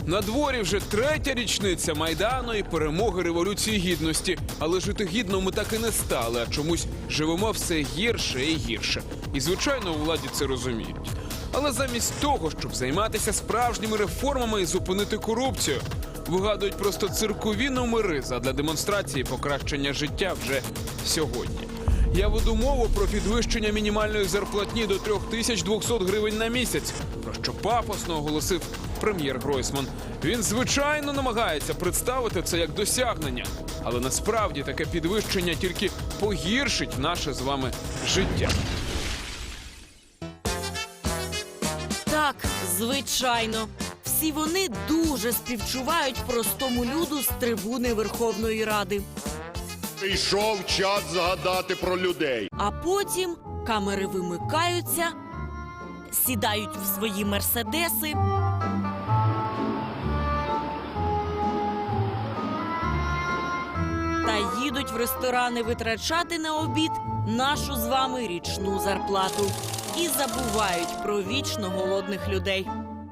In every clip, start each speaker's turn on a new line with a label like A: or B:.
A: На дворі вже 3-я річниця Майдану і перемоги Революції Гідності. Але жити гідно ми так і не стали, а чомусь живемо все гірше і гірше. І, звичайно, у владі це розуміють. Але замість того, щоб займатися справжніми реформами і зупинити корупцію, вигадують просто циркові номери задля демонстрації покращення життя вже сьогодні. Я веду мову про підвищення мінімальної зарплатні до 3200 гривень на місяць, про що пафосно оголосив прем'єр Гройсман. Він, звичайно, намагається представити це як досягнення. Але насправді таке підвищення тільки погіршить наше з вами життя.
B: Так, звичайно. Всі вони дуже співчувають простому люду з трибуни Верховної Ради.
C: Прийшов час згадати про людей.
B: А потім камери вимикаються, сідають в свої мерседеси та їдуть в ресторани витрачати на обід нашу з вами річну зарплату. І забувають про вічно голодних людей.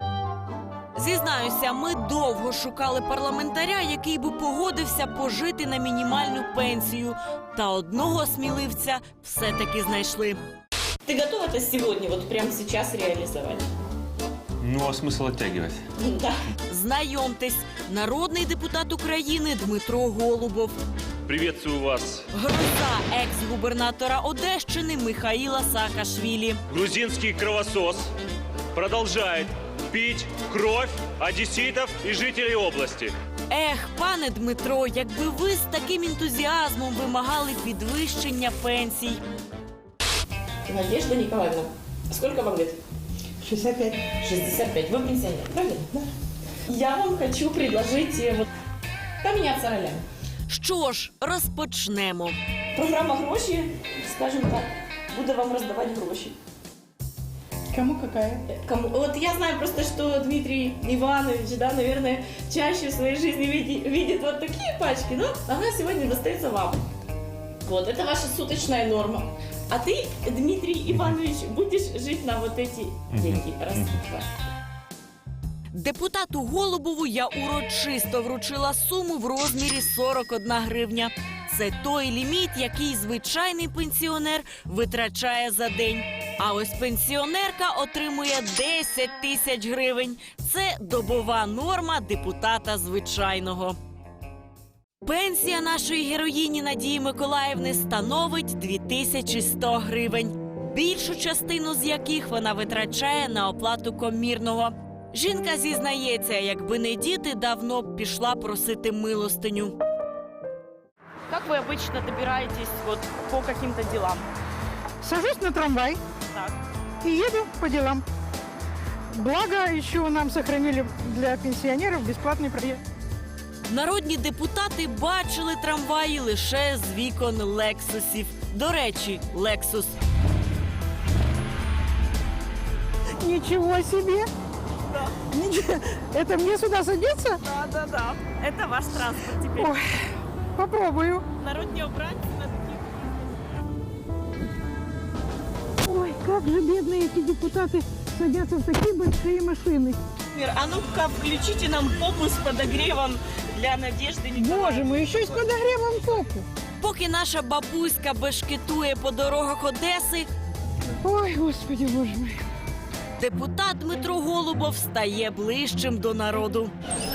B: Зізнаюся, ми довго шукали парламентаря, який би погодився пожити на мінімальну пенсію. Та одного сміливця все-таки знайшли.
D: Ты готов это сегодня, вот прямо сейчас реализовать?
E: Ну, а смысл оттягивать?
D: Да.
B: Знайомтесь, народний депутат України Дмитро Голубов.
E: Приветствую вас.
B: Гроза екс-губернатора Одещини Михаїла Саакашвілі.
E: Грузинский кровосос продолжает пить кровь одесситов и жителей области.
B: Ех, пане Дмитро, якби ви з таким ентузіазмом вимагали підвищення пенсій.
D: Надежда Николаевна, сколько вам лет?
F: 65.
D: 65. Вы пенсионер, правильно? Да. Я вам хочу предложить вот поменяться ролями.
B: Що ж, розпочнемо.
D: Программа «Гроши», скажем так, буду вам раздавать гроши.
F: Кому какая?
D: Кому? Вот я знаю просто, что Дмитрий Иванович, да, наверное, чаще в своей жизни видит вот такие пачки, но она сегодня достается вам. Вот, это ваша суточная норма. А ты, Дмитрий Иванович, будешь жить на вот эти деньги. Раз, два.
B: Депутату Голубову я урочисто вручила суму в розмірі 41 гривня. Це той ліміт, який звичайний пенсіонер витрачає за день. А ось пенсіонерка отримує 10 тисяч гривень. Це добова норма депутата звичайного. Пенсія нашої героїні Надії Миколаївни становить 2100 гривень. Більшу частину з яких вона витрачає на оплату комірного. Жінка зізнається, якби не діти, давно б пішла просити милостиню.
G: Как вы обычно добираетесь вот по каким-то делам?
F: Сажусь на трамвай
G: Так.
F: и еду по делам. Благо, еще нам сохранили для пенсионеров бесплатный проезд.
B: Народні депутати бачили трамваї лише з вікон лексусів. До речі, лексус.
F: Ничего себе!
G: Да.
F: Ничего. Это мне сюда садиться?
G: Да. Это ваш транспорт теперь.
F: Ой, попробую.
G: Народні обранці на таких.
F: Ой, как же бедные эти депутаты садятся в такие большие машины.
G: А ну-ка, включите нам попу с подогревом для Надежды Николаевны.
F: Боже мой, еще и с подогревом попу.
B: Поки наша бабуська бешкетує по дорогах Одеси,
F: Ой, Господи, Боже мой.
B: депутат Дмитро Голубов стає ближчим до народу.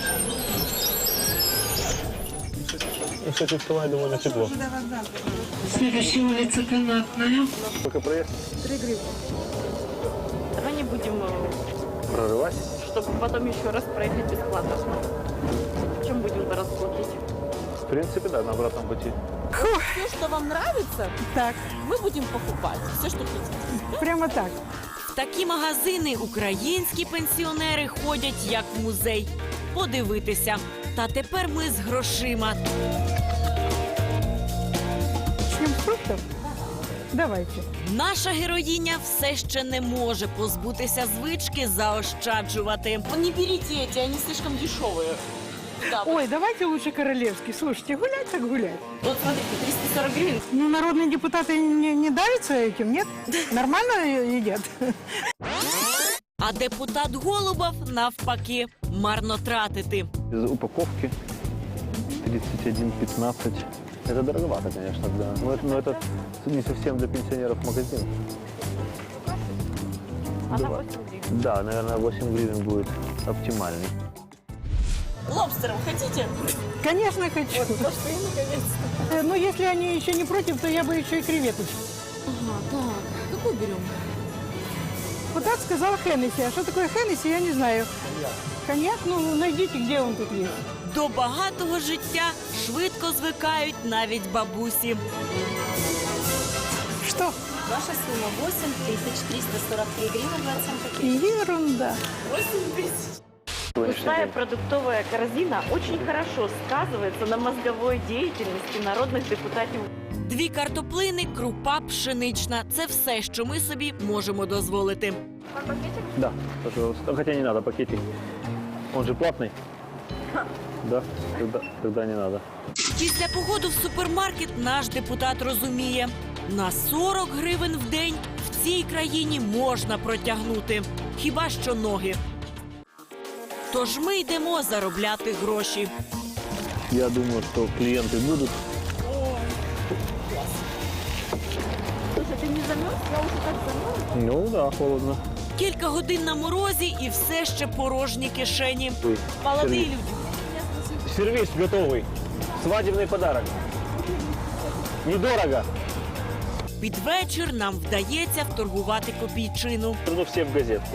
E: Кстати, вставай довольно тепло.
F: Следующая улица Канатная.
E: Пока проезд.
F: 3 гривны.
G: Давай не будем,
E: Прорывать.
G: чтобы потом еще раз проехать бесплатно. Чем будем раз платить?
E: В принципе, да, на обратном пути.
G: Все, что вам нравится,
F: Так,
G: мы будем покупать. Все, что хотите.
F: прямо так.
B: В такі магазини українські пенсіонери ходять як в музей. Подивитися. Та тепер ми з грошима.
F: Начнем с фруктов? Давайте.
B: Наша героїня все ще не може позбутися звички заощаджувати.
G: Не берите эти, они слишком дешевые. Да,
F: Ой, давайте лучше королевский. Слушайте, гулять так гулять.
G: вот смотрите, 340 гривен.
F: Ну, народные депутаты не давятся этим, нет? Нормально едят?
B: А депутат Голубов навпаки марно тратити.
E: Из упаковки 31,15. Это дороговато, конечно, да. Но это не совсем для пенсионеров магазин.
D: Она 8 гривен.
E: Да, наверное, 8 гривен будет оптимальный.
D: Лобстером хотите?
F: Конечно, хочу.
D: Пошли, наконец-то.
F: Но если они еще не против, то я бы еще и креветочки.
D: Ага, так. Какую берем?
F: Вот так сказал Хеннесси. А что такое Хеннесси, я не знаю. Коньяк, ну, найдите, где он тут есть.
B: До багатого життя швидко звикають навіть бабусі.
F: Что?
H: Ваша сумма 8343 гривны 27 копеек.
F: Ерунда.
D: 8 тысяч.
G: Пустая продуктовая корзина очень хорошо сказывается на мозговой деятельности народных депутатов.
B: 2 картоплини, крупа пшенична – це все, що ми собі можемо дозволити.
E: Да, пожалуйста. Хотя не надо пакетик. Он же платный. Да, тогда не надо.
B: Після походу в супермаркет наш депутат розуміє – на 40 гривень в день в цій країні можна протягнути. Хіба що ноги. Тож ми йдемо заробляти гроші.
E: Я думаю, что клиенты будут.
D: Слушай, ты не замерз? Я уже так замерз.
E: Ну да, холодно.
B: Кілька годин на морозі і все ще порожні кишені. Молоді люди.
E: Сервис готовый. Свадебный подарок. Недорого.
B: Під вечір нам вдається вторгувати копійчину.
E: Ну все в газетке.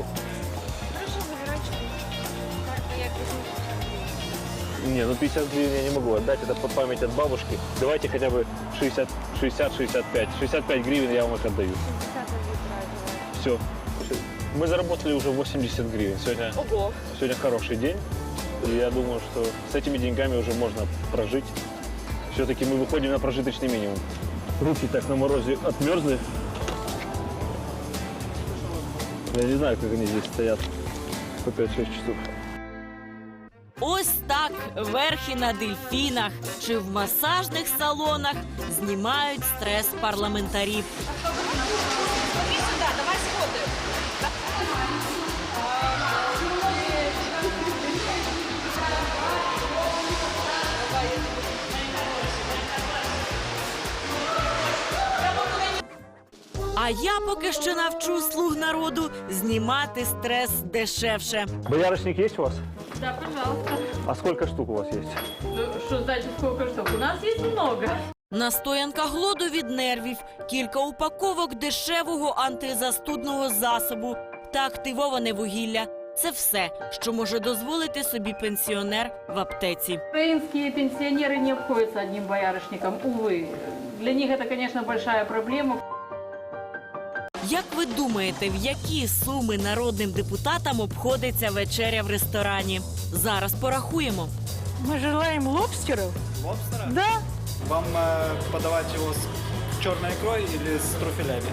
E: Не, ну 50 гривен я не могу отдать, это по память от бабушки. Давайте хотя бы 60-65. 65 гривен я вам их отдаю. Все. Мы заработали уже 80 гривен. Сегодня хороший день. И я думаю, что с этими деньгами уже можно прожить. Все-таки мы выходим на прожиточный минимум. Руки так на морозе отмерзли. Я не знаю, как они здесь стоят по 5-6 часов.
B: Ось так верхи на дельфінах чи в масажних салонах знімають стрес парламентарів. А я поки що навчу слуг народу знімати стрес дешевше.
E: Боярышник есть у вас?
D: Да, пожалуйста.
E: А сколько штук у вас есть?
D: Что значит сколько штук? У нас есть много.
B: Настоянка глоду від нервів, кілька упаковок дешевого антизастудного засобу та активоване вугілля. Це все, що може дозволити собі пенсіонер в аптеці.
I: Украинские пенсионеры не обходятся одним боярышником, увы. Для них это, конечно, большая проблема.
B: Як ви думаєте, в які суми народним депутатам обходиться вечеря в ресторані? Зараз порахуємо.
F: Мы желаем лобстеров.
J: Лобстера?
F: Да.
J: Вам подавать его с черной икрой или с труфелями?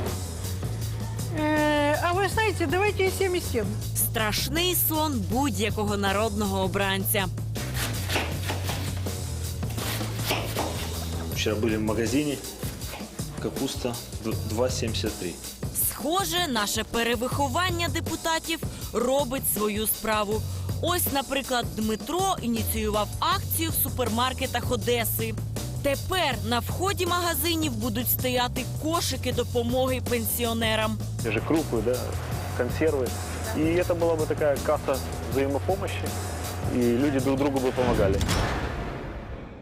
F: А вы знаете, давайте и 7 и 7.
B: Страшний сон будь-якого народного обранця.
K: Вчера были в магазине. Капуста 2,73.
B: Схоже, наше перевиховання депутатів робить свою справу. Ось, наприклад, Дмитро ініціював акцію в супермаркетах Одеси. Тепер на вході магазинів будуть стояти кошики допомоги пенсіонерам.
E: Те же крупы, да, консервы. И это была бы такая касса взаимопомощи, и люди друг другу бы помогали.